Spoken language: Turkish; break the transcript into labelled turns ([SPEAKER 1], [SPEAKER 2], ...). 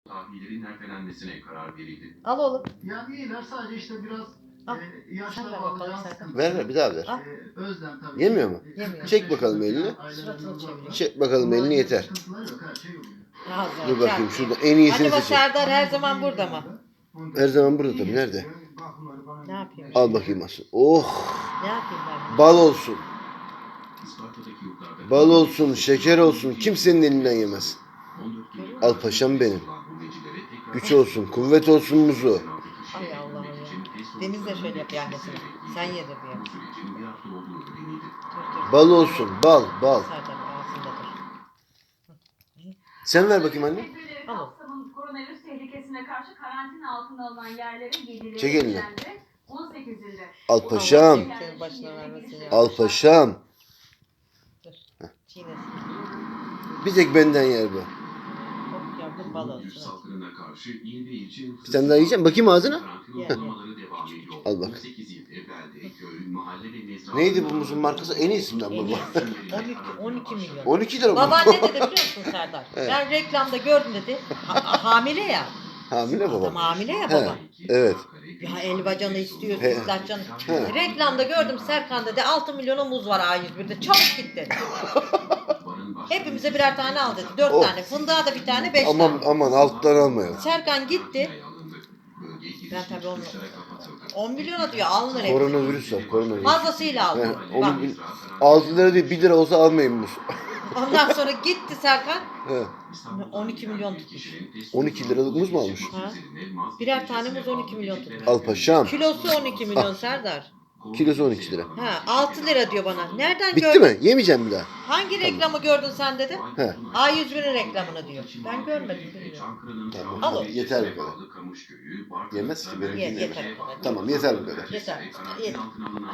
[SPEAKER 1] tahvillerin ertelenmesine karar verildi.
[SPEAKER 2] Al oğlum.
[SPEAKER 3] Ya değiller, sadece işte biraz
[SPEAKER 2] Al.
[SPEAKER 3] yaşla
[SPEAKER 2] Sen ver
[SPEAKER 3] bağlı
[SPEAKER 2] bakalım
[SPEAKER 3] can
[SPEAKER 2] sen.
[SPEAKER 3] sıkıntısı.
[SPEAKER 4] Ver bir daha ver.
[SPEAKER 2] Al.
[SPEAKER 3] Özlem tabii.
[SPEAKER 4] Yemiyor mu?
[SPEAKER 2] Yemiyor.
[SPEAKER 4] Çek bakalım elini.
[SPEAKER 2] Suratını çeviriyor.
[SPEAKER 4] Çek bakalım elini yeter.
[SPEAKER 3] Sıkıntıları yok, her şey yoluyor.
[SPEAKER 2] Ağzına
[SPEAKER 4] Dur bakayım
[SPEAKER 2] çarp.
[SPEAKER 4] şurada en iyisini
[SPEAKER 2] Acaba
[SPEAKER 4] seçelim.
[SPEAKER 2] Serdar her zaman burada mı?
[SPEAKER 4] Her zaman burada tabii. Nerede?
[SPEAKER 2] Ne yapayım?
[SPEAKER 4] Al bakayım asıl. Oh!
[SPEAKER 2] Ne yapayım ben?
[SPEAKER 4] Bal olsun.
[SPEAKER 1] İsparta'daki yurtlarda
[SPEAKER 4] Bal olsun, şeker olsun. Kimsenin elinden yemez.
[SPEAKER 1] 14 Eylül
[SPEAKER 4] Al paşam benim.
[SPEAKER 1] gurbetçilere tekrar
[SPEAKER 4] Güç olsun, kuvvet olsun muzu.
[SPEAKER 2] Ay Allah'ım ya. Deniz de şöyle yapıyor annesine. Sen yedir diye.
[SPEAKER 1] Bu sürecin bir hafta olduğu öğrenildi.
[SPEAKER 2] Dur dur.
[SPEAKER 4] Bal olsun, bal, bal.
[SPEAKER 2] Serdar ağzında dur.
[SPEAKER 4] Sen ver bakayım anne.
[SPEAKER 2] Al.
[SPEAKER 5] Kapsamın koronavirüs tehlikesine karşı karantina altına alınan yerlerin geliri
[SPEAKER 4] Çek elini.
[SPEAKER 5] 18'inde.
[SPEAKER 4] Al paşam.
[SPEAKER 2] Senin başına vermesin ya.
[SPEAKER 4] Al paşam.
[SPEAKER 2] Dur. Çiğnesin.
[SPEAKER 4] Bir tek benden yer bu.
[SPEAKER 2] Hop yavrum bal
[SPEAKER 1] Virüs
[SPEAKER 2] olsun.
[SPEAKER 1] salgınına karşı il ve ilçe
[SPEAKER 4] Bir tane daha yiyeceğim. Bakayım ağzına.
[SPEAKER 1] karantina
[SPEAKER 2] Ye.
[SPEAKER 1] uygulamaları devam ediyor.
[SPEAKER 4] Al bak.
[SPEAKER 1] 18 il evvelde köy, mahalle ve mezra.
[SPEAKER 4] Neydi bu muzun markası? En iyisinden
[SPEAKER 2] En
[SPEAKER 4] baba.
[SPEAKER 2] iyisi. 12 milyon.
[SPEAKER 4] 12 lira bu.
[SPEAKER 2] Baban ne dedi biliyor musun Serdar?
[SPEAKER 4] Evet.
[SPEAKER 2] Ben reklamda gördüm dedi. Hamile ya.
[SPEAKER 4] Hamile
[SPEAKER 2] Adam
[SPEAKER 4] baba.
[SPEAKER 2] hamile ya
[SPEAKER 4] He.
[SPEAKER 2] baba.
[SPEAKER 4] Evet.
[SPEAKER 2] Ya elbacanı istiyor,
[SPEAKER 4] He.
[SPEAKER 2] sütlaçcanı.
[SPEAKER 4] He.
[SPEAKER 2] Reklamda gördüm Serkan dedi 6 milyona muz var A101'de. Çabuk git dedi. Hepimize birer tane al dedi. 4
[SPEAKER 4] Oh.
[SPEAKER 2] tane. Fındığa da bir tane 5
[SPEAKER 4] Aman
[SPEAKER 2] tane.
[SPEAKER 4] aman alttan almayalım.
[SPEAKER 2] Serkan gitti. Ben tabii onu 10 milyona diyor alınır hepsi.
[SPEAKER 4] Koronavirüs var, koronavirüs.
[SPEAKER 2] Fazlasıyla aldı.
[SPEAKER 4] He,
[SPEAKER 2] Bak.
[SPEAKER 4] onu 6 lira değil 1 lira olsa almayın muz.
[SPEAKER 2] Ondan sonra gitti Serkan.
[SPEAKER 4] He.
[SPEAKER 2] 12 milyon tutmuş.
[SPEAKER 4] 12 liralık muz mu almış?
[SPEAKER 2] Ha? Birer tane muz 12 milyon tutmuş.
[SPEAKER 4] Al paşam.
[SPEAKER 2] Kilosu 12 milyon Serdar.
[SPEAKER 4] Kilosu 12 lira.
[SPEAKER 2] Ha 6 lira diyor bana. Nereden
[SPEAKER 4] Bitti
[SPEAKER 2] gördün?
[SPEAKER 4] mi? Yemeyeceğim bir daha.
[SPEAKER 2] Hangi reklamı gördün sen dedi?
[SPEAKER 4] He.
[SPEAKER 2] A101'in reklamını diyor. Ben görmedim bilmiyorum.
[SPEAKER 4] Tamam.
[SPEAKER 2] Al o.
[SPEAKER 4] Yeter bu kadar. Yemez ki, benimki
[SPEAKER 2] Ye,
[SPEAKER 4] yemez.
[SPEAKER 2] yeter bu kadar.
[SPEAKER 4] Tamam yeter bu kadar.
[SPEAKER 2] Yeter. Yeter.